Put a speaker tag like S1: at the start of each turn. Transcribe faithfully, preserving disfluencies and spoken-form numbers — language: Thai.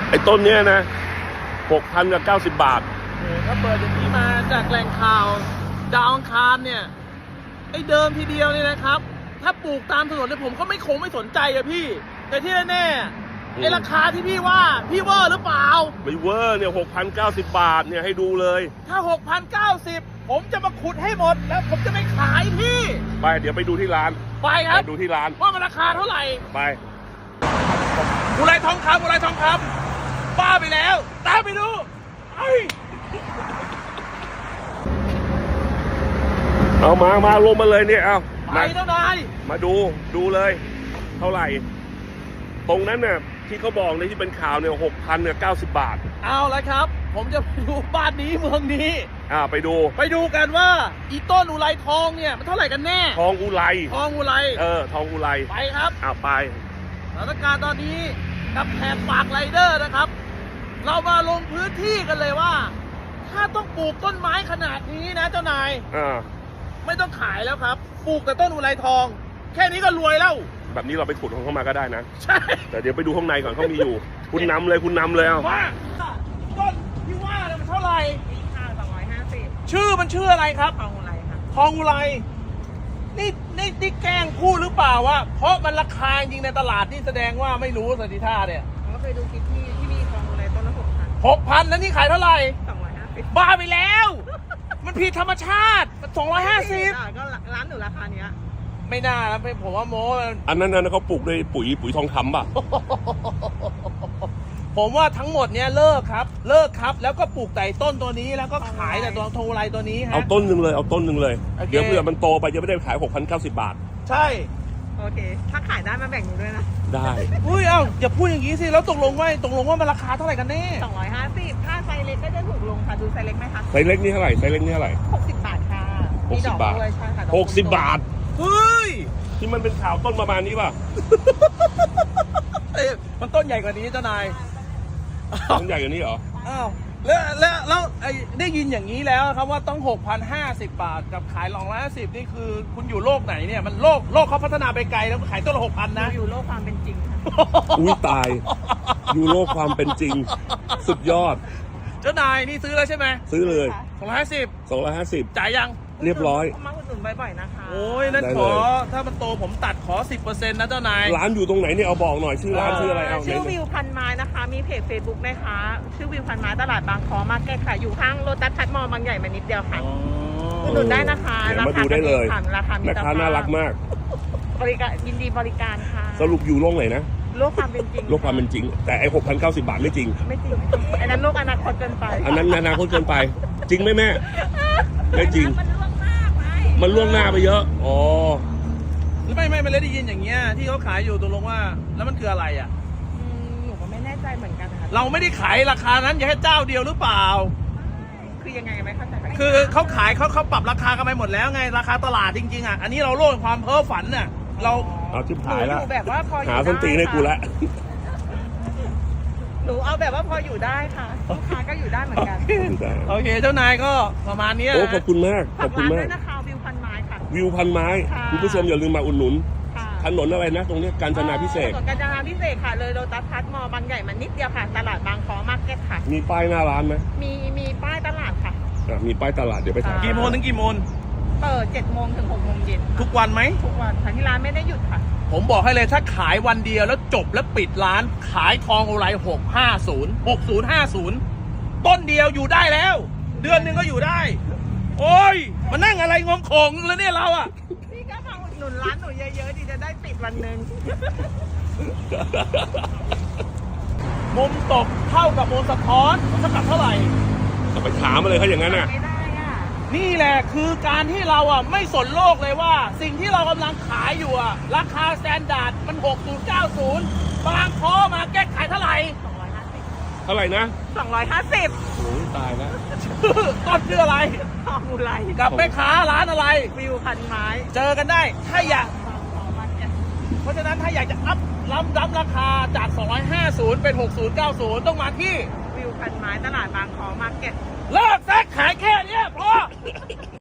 S1: ไอ้ต้นเนี้ยนะหกพันกับเก้าสิบบาท
S2: โอ้ถ้าเปิดอย่างนี้มาจากแหล่งข่าวดาวอังคารเนี่ยไอ้เดิมทีเดียวเนี่ยนะครับ ถ้าปลูกตามถนนเนี่ยผมก็ไม่คงไม่สนใจอะพี่ แต่ที่แน่ๆไอ้ราคาที่พี่ว่าพี่เวอร์หรือเปล่า
S1: ไม่เวอร์เนี่ยหกพันเก้าสิบบาทเนี่ยให้ดูเลย
S2: ถ้าหกพันเก้าสิบผมจะมาขุดให้หมดแล้วผมจะไม่ขายพี่
S1: ไปเดี๋ยวไปดูที่ร้าน
S2: ไปครับ
S1: ไปดูที่ร้าน
S2: ว่ามันราคาเท่าไหร่
S1: ไป
S2: อุไรทองคำอุไรทองคำบ้าไปแล้วตามไปดูไอ
S1: เอามามาลงมาเลยเนี่ยเอา
S2: ไปเท่าไหร่
S1: มาดูดูเลยเท่าไหร่ตรงนั้นเนี่ยที่เขาบอกในที่เป็นข่าวเนี่ยหกพันเนี่ยเก้าสิบบาท
S2: เอาละครับผมจะไปดูบ้านนี้เมืองนี้
S1: อ่าไปดู
S2: ไปดูกันว่าอีต้นอุไรทองเนี่ยมันเท่าไหร่กันแน่
S1: ทองอุไร
S2: ทองอุไร
S1: เออทองอุไร
S2: ไปครับ
S1: อ่าไป
S2: สถานการณ์ตอนนี้กับแขกปากไรเดอร์นะครับเรามาลงพื้นที่กันเลยว่าถ้าต้องปลูกต้นไม้ขนาดนี้นะเจ้านาย
S1: อ่า
S2: ไม่ต้องขายแล้วครับปลูกแต่ต้นอุไรทองแค่นี้ก็รวยแล้ว
S1: แบบนี้เราไปขุดของเขามาก็ได้นะ
S2: ใช่
S1: แต่เดี๋ยวไปดูข้างในก่อนเขามีอยู่ คุณนำเลยคุณนำเลยเอา
S2: ว่าต้นที่ว่าเนี่ยมันเท่าไหร่
S3: ค่ะสองร้อยห้าสิบ
S2: ชื่อมันชื่ออะไรครับ
S3: ทองอุไรค่ะ
S2: ทองอุไรนี่นี่นี่แกล้งพูดหรือเปล่าวะเพราะมันราคาจริงในตลาดนี่แสดงว่าไม่รู้สันติท่าเนี่ย
S3: ผมก็เคยดูคลิปที่ที่มีทองอุไรต้นละหกพัน
S2: หกพันแล้วนี่ขายเท่าไหร่
S3: สองร้อยห้าสิบ
S2: บ้าไปแล้วมันผิดธรรมชาติสองร้อยห้าสิบ
S3: ก็ร้านหนูราคาเนี้ย
S2: ไม่น่านะผมว่าโม้
S1: อันนั้นนั้นเขาปลูกด้วยปุ๋ยปุ๋ยทองคำป่ะ
S2: ผมว่าทั้งหมดเนี้ยเลิกครับเลิกครับแล้วก็ปลูกแต่ต้นตัวนี้แล้วก็ขายแต่ตัวทองอุไรตัวนี้ฮะ
S1: เอาต้นหนึ่งเลยเอาต้นหนึ่งเลยเดี๋ยวเผื่อมันโตไปจะไม่ได้ขายหกพันเก้าสิบบาท
S2: ใช่
S3: โอเคถ้าขายได้มาแบ่งหนูด้วยนะ
S1: ได้
S2: อุ้ยเอ้าอย่าพูดอย่างนี้สิแล้วตกลงว่าตกลงว่ามันราคาเท่าไหร่กันแน่
S3: สองร้อยห้าสิบถ้าไซส์เล็กก็จะถูกลงค่ะดูไซส์เล็กไหมคะ
S1: ไซส์เล็กนี่เท่าไหร่ไซส์เล็กนี่เท่าไหร่
S3: หกสิบบาทค่ะ
S1: หกสิบบาทหกสิบบาท
S2: เฮ้ย
S1: ที่มันเป็นข่าวต้นประมาณนี้ป่ะ
S2: เอ๊ะมันต้นใหญ่กว่านี้เจ้านาย
S1: ต้นใหญ่กว่านี้เหรอ
S2: อ้าวแล้วแล้วแล้วไอ้ได้ยินอย่างนี้แล้วครับว่าต้องหกพันห้าสิบบาทกับขายสองร้อยห้าสิบนี่คือคุณอยู่โลกไหนเนี่ยมันโลกโลกเขาพัฒนาไปไกลแล้วขายต้นละหกพันนะ
S3: อยู่โลกความเป็นจริง
S1: อุ้ยตายอยู่โลกความเป็นจริงสุดยอด
S2: เจ้านายนี่ซื้อแล้วใช่ไหม
S1: ซื้อเลย
S2: สองร้อยห้าสิบ
S1: สองร้อยห้าสิบ
S2: จ่ายยัง
S1: เรียบร้อย
S3: มาอุดหนุนบ่อยๆนะคะ
S2: โอ้ยนั่นขอถ้ามันโตผมตัดขอ สิบเปอร์เซ็นต์ นะเจ้านาย
S1: ร้านอยู่ตรงไหนเนี่ยเอาบอกหน่อยชื่อร้านชื่ออะไรเอา
S3: ชื่อวิวพันไม้นะคะมีเพจ เฟซบุ๊ก นะคะชื่อวิวพันไม้ตลาดบางคอมาร์เก็ตค่ะอยู่ข้างโลตัสพัทมอลล์บางใหญ่มานิดเดียวค่ะอุดหนุนได้นะคะ
S1: ราคาดูได้เลย
S3: ราคา
S1: แม่ค้าน่ารักมาก
S3: บริการยินดีบริการค่ะ
S1: สรุปอยู่โลกไหนนะ
S3: โลกความเป็นจริง
S1: โลกความเป็นจริงแต่ไอ้หกพันเก้าสิบบาทไม่จริง
S3: ไม่จริงอันนั้นโลกอนาคตเกินไป
S1: อันนั้นอนาคตเกินไปจริงไหมแม่ไม่จริงมันล่วงหน้าไปเยอะอ๋อ
S2: ไม่ไม่ไม่ได้ยินอย่างเงี้ยที่เขาขายอยู่ตกลงว่าแล้วมันคืออะไรอ่ะ
S3: หนูก็ไม่แน่ใจเหมือนกันค่ะ
S2: เราไม่ได้ขายราคานั้นอย่าให้เจ้าเดียวหรือเปล่า
S3: คือยังไงไม่เข้าใจ
S2: คือเขาขายเขาเขาปรับราคากันไปหมดแล้วไงราคาตลาดจริงๆอ่ะอันนี้เราโลกความเพ้อฝันน่ะเรา
S1: เอาชิบหายแล้ว
S3: แบบว่าพอ
S1: หาส้นตีนให้กูละ
S3: หนูเอาแบบว่าพออยู่ได้ค่ะลูกค้าก็อยู่ได้เหมือนกัน
S2: โอเคเจ้านายก็ประมาณนี้
S1: โอ้ขอบคุณมากขอบคุณมาก
S3: นะคะวิวพันไม้ค่ะ
S1: วิวพันไม้คุณผู้ชมอย่าลืมมาอุดหนุนถนนอะไรนะตรงนี้กาญจนาพิเศษ
S3: ถนนกาญจนาพิเศษค่ะเลยโลตัสพัทมอลล์บางใหญ่มันนิดเดียวค่ะตลาดบางคอมาร์เก็ตค่ะ
S1: มีป้ายหน้าร้านไหม
S3: มีมีป้ายตลาดค่ะ
S1: มีป้ายตลาดเดี๋ยวไปถ่าย
S2: กี่โมงถึงกี่โมง
S3: เปิดเจ็ดโมงถึงหกโมงเย็น
S2: ทุกวันไหม
S3: ทุกวันค่ะที่ร้านไม่ได้หยุดค่ะ
S2: ผมบอกให้เลยถ้าขายวันเดียวแล้วจบแล้วปิดร้านขายทองอุไรหกห้าศูนย์หกศูนย์ห้าศูนย์ต้นเดียวอยู่ได้แล้วเดือนหนึ่งก็อยู่ได้โอ้ยมานั่งอะไรงงของแล้วเนี่ยเราอ่ะ
S3: พี่ก็มาอุดหนุนร้านหนูเยอะๆดีจะได้ปิดวันหนึ่ง
S2: มุมตกเท่ากับมุมสะท้อนเท่ากับเท่าไหร่
S1: ไปถามอะไรเขาอย่างนั้นอ่ะ
S2: นี่แหละคือการที่เราอ่ะไม่สนโลกเลยว่าสิ่งที่เรากำลังขายอยู่อ่ะราคาสแตนดาร์ดมันหกศูนย์เก้าศูนย์บางคอมาแก้ขายเท่าไหร่
S3: สองร้อยห้าสิบ
S1: เท่าไหร่นะ
S3: สองร้อยห้าสิบ
S1: โอ้ยตายแล้ว
S2: ต้นชื่ออะไร
S3: ทองอุไร
S2: กับแม่ค้าร้านอะไร
S3: วิวพันไม้
S2: เจอกันได้ถ้าอยากเพราะฉะนั้นถ้าอยากจะอัพล้ำล้ำราคาจากสองร้อยห้าสิบเป็นหกศูนย์เก้าศูนย์ต้องมาที่
S3: วิวพันไม้ตลาดบางคอมาร์เก็ต
S2: เลิกแซกขายแค่นี้พอ